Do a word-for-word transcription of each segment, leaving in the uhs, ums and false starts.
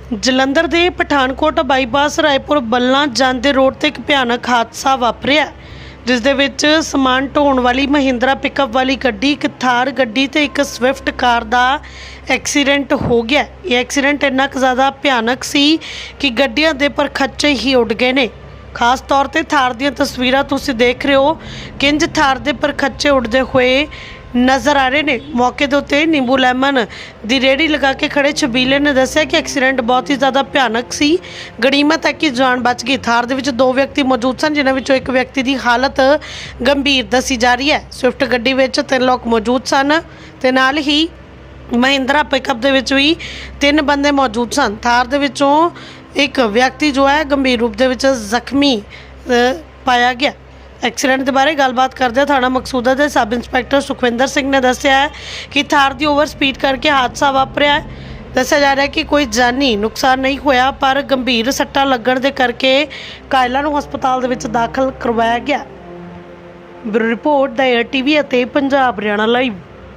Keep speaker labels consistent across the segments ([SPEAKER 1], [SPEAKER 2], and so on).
[SPEAKER 1] ਜਲੰਧਰ ਦੇ ਪਠਾਨਕੋਟ ਬਾਈਪਾਸ ਰਾਏਪੁਰ ਬੱਲਾਂ ਜਾਂਦੇ ਰੋਡ ਤੇ ਇੱਕ ਭਿਆਨਕ ਹਾਦਸਾ ਵਾਪਰਿਆ, ਜਿਸ ਦੇ ਵਿੱਚ ਸਮਾਨ ਢੋਣ ਵਾਲੀ ਮਹਿੰਦਰਾ ਪਿਕਅਪ ਵਾਲੀ ਗੱਡੀ, ਇੱਕ ਥਾਰ ਗੱਡੀ ਤੇ ਇੱਕ ਸਵਿਫਟ ਕਾਰ ਦਾ ਐਕਸੀਡੈਂਟ ਹੋ ਗਿਆ। ਇਹ ਐਕਸੀਡੈਂਟ ਇੰਨਾ ਕੁ ਜ਼ਿਆਦਾ ਭਿਆਨਕ ਸੀ ਕਿ ਗੱਡੀਆਂ ਦੇ ਪਰਖੱਚੇ ਹੀ ਉੱਡ ਗਏ ਨੇ। ਖਾਸ ਤੌਰ ਤੇ ਥਾਰ ਦੀਆਂ ਤਸਵੀਰਾਂ ਤੁਸੀਂ ਦੇਖ ਰਹੇ ਹੋ, ਕਿੰਜ ਥਾਰ ਦੇ ਪਰਖੱਚੇ ਉੱਡਦੇ ਹੋਏ ਨਜ਼ਰ आ रहे ने। मौके के उत्ते नींबू लैमन दी रेहड़ी लगा के खड़े छबीले ने दस्सिया कि एक्सीडेंट बहुत ही ज़्यादा भयानक सी। गनीमत है कि जान बच गई। थार दे विच दो व्यक्ति मौजूद सन, जिन्हां विचों एक व्यक्ति की हालत गंभीर दसी जा रही है। स्विफ्ट गड्डी विच तीन लोग मौजूद सन ते नाल ही महिंद्रा पिकअप दे विच भी तीन बंदे मौजूद सन। थार दे विचों एक व्यक्ति जो है गंभीर रूप दे विच जख्मी पाया गया। एक्सीडेंट के बारे गलबात करते थाना मकसूदा के सब इंस्पैक्टर सुखविंदर सिंह ने दस्सिया है कि थार की ओवर स्पीड करके हादसा वापरिया है। दस्सिया जा रहा है कि कोई जानी नुकसान नहीं होया, पर गंभीर सट्टा लगन के करके घायलों को हस्पताल दे विच दाखिल करवाया गया। Bureau report the air TV ਅਤੇ पंजाब हरियाणा लाइव।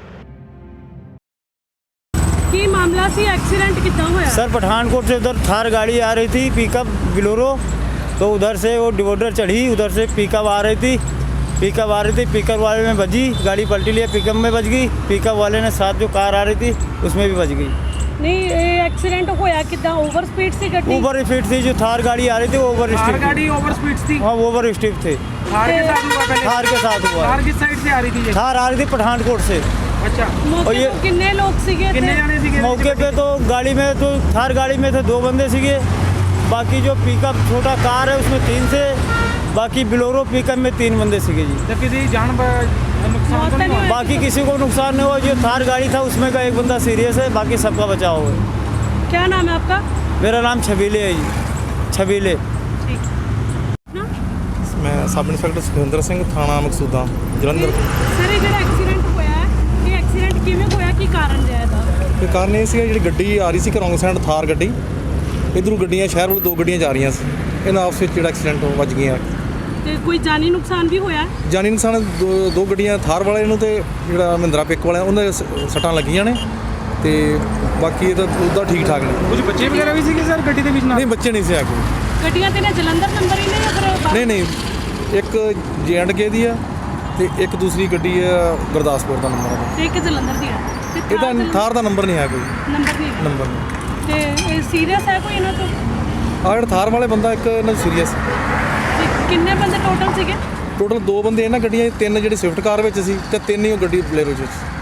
[SPEAKER 2] की मामला सी एक्सीडेंट कितना होया?
[SPEAKER 3] सर पठानकोट से उधर थार गाड़ी आ रही थी, पिकअप बिलोरो, तो उधर से वो डिवोडर चढ़ी, उधर से पिकअप आ रही थी पिकअप आ रही थी पिकअप वाले में बजी, गाड़ी पलटी लिया, पिकअप में बज गई। पिकअप वाले ने साथ जो कार आ रही थी उसमें भी बज गई।
[SPEAKER 2] नहीं, एक्सीडेंट होया कितना? ओवर स्पीड से गड्डी?
[SPEAKER 3] ओवर स्पीड थी, जो थार गाड़ी आ रही थी वो ओवर
[SPEAKER 4] थार
[SPEAKER 3] स्पीड
[SPEAKER 4] गाड़ी ओवर स्पीड थी।
[SPEAKER 3] हाँ, वो ओवर स्पीड थे।
[SPEAKER 4] थार के साथ हुआ पहले?
[SPEAKER 3] थार के साथ हुआ।
[SPEAKER 4] थार किस साइड से आ रही थी ये?
[SPEAKER 3] थार आ रही थी पठानकोट से।
[SPEAKER 4] अच्छा,
[SPEAKER 2] मौके
[SPEAKER 3] और ये-
[SPEAKER 2] पे कितने लोग सीगे थे?
[SPEAKER 4] कितने जाने सीगे?
[SPEAKER 3] मौके पे तो गाड़ी में तो थार गाड़ी में थे दो बंदे सीगे, बाकी जो पिकअप छोटा कार है उसमें तीन से, बाकी बिलोरो पिकअप में तीन बंदे सीगे जी।
[SPEAKER 4] तो किसी जान ब- नुकसान तो नहीं हुआ?
[SPEAKER 3] बाकी किसी को नुकसान नहीं हुआ। जो थार गाड़ी था उसमें का एक बंदा सीरियस है, बाकी सबका बचाव है।
[SPEAKER 2] क्या नाम है आपका?
[SPEAKER 3] मेरा नाम छबीले है जी, छबीले।
[SPEAKER 2] ठीक ना
[SPEAKER 5] मैं सब इंस्पैक्टर सुखविंदर सिंह, थाना मकसूदा, जलंधर।
[SPEAKER 2] सर, ये जो एक्सीडेंट होया है, ये एक्सीडेंट किवें होया, की कारण है ਇਹਦਾ?
[SPEAKER 5] ਤੇ ਕਾਰਨ ਇਹ ਸੀਗਾ, ਜਿਹੜੀ ਗੱਡੀ ਆ ਰਹੀ ਸੀ ਰੌਂਗ ਸਾਈਡ, ਥਾਰ ਗੱਡੀ ਇਧਰੋਂ ਗੱਡੀਆਂ ਸ਼ਹਿਰ ਵੱਲ ਦੋ ਗੱਡੀਆਂ ਜਾ ਰਹੀਆਂ ਸੀ, ਇਹਨਾਂ ਆਪਸ ਵਿੱਚ ਜਿਹੜਾ ਐਕਸੀਡੈਂਟ ਹੋ ਵੱਜ ਗਈਆਂ।
[SPEAKER 2] ਤੇ ਕੋਈ ਜਾਨੀ ਨੁਕਸਾਨ ਵੀ ਹੋਇਆ?
[SPEAKER 5] ਜਾਨੀ ਨੁਕਸਾਨ ਦੋ ਦੋ ਗੱਡੀਆਂ, ਥਾਰ ਵਾਲੇ ਨੂੰ ਤੇ ਜਿਹੜਾ ਮਹਿੰਦਰਾ ਪਿਕ ਵਾਲਿਆਂ ਉਹਨਾਂ ਦੇ ਸ- ਸੱਟਾਂ ਲੱਗੀਆਂ ਨੇ, ਤੇ ਬਾਕੀ ਇਹ ਤਾਂ ਉਹਦਾ ਠੀਕ ਠਾਕ ਨੇ।
[SPEAKER 4] कुछ बच्चे वगैरह भी सीगे सर गड्डी ਦੇ ਵਿੱਚ ਨਾਲ?
[SPEAKER 5] ਨਹੀਂ, ਬੱਚੇ ਨਹੀਂ ਸੀ ਆ ਕੋਈ।
[SPEAKER 2] ਗੱਡੀਆਂ ਤੇ ਨੇ ਜਲੰਧਰ ਨੰਬਰ ਹੀ ਨੇ ਜਾਂ ਫਿਰ ਬਾਹਰ?
[SPEAKER 5] ਨਹੀਂ ਨਹੀਂ, ਇੱਕ ਜੇ ਐਂਡ ਕੇ ਦੀ ਆ ਤੇ ਇੱਕ ਦੂਸਰੀ ਗੱਡੀ ਆ ਗੁਰਦਾਸਪੁਰ ਦਾ ਨੰਬਰ ਆ।
[SPEAKER 2] ਤੇ ਇੱਕ ਜਲੰਧਰ ਦੀ ਹੈ ਤੇ ਥਾਰ
[SPEAKER 5] ਇਹਦਾ
[SPEAKER 2] ਜਲੰਧਰ-
[SPEAKER 5] ਥਾਰ ਦਾ ਨੰਬਰ ਨਹੀਂ ਹੈ ਕੋਈ,
[SPEAKER 2] ਨੰਬਰ ਨਹੀਂ ਹੈ।
[SPEAKER 5] ਨੰਬਰ ਨਹੀਂ।
[SPEAKER 2] ਤੇ ਇਹ ਸੀਰੀਅਸ ਹੈ ਕੋਈ ਇਹਨਾਂ ਤੋਂ?
[SPEAKER 5] ਆਹ ਜਿਹੜਾ ਥਾਰ ਵਾਲੇ ਬੰਦਾ ਇੱਕ ਇਹਨਾਂ ਸੀਰੀਅਸ।
[SPEAKER 2] ਤੇ ਕਿੰਨੇ ਬੰਦੇ ਟੋਟਲ ਸੀਗੇ?
[SPEAKER 5] ਟੋਟਲ ਦੋ ਬੰਦੇ ਇਹਨਾਂ ਗੱਡੀਆਂ 'ਚ, ਤਿੰਨ ਜਿਹੜੇ ਸਵਿਫਟ ਕਾਰ ਵਿੱਚ ਸੀ ਤੇ ਤਿੰਨ ਹੀ ਉਹ ਗੱਡੀ ਬਲੇਰੋ 'ਚ ਸੀ।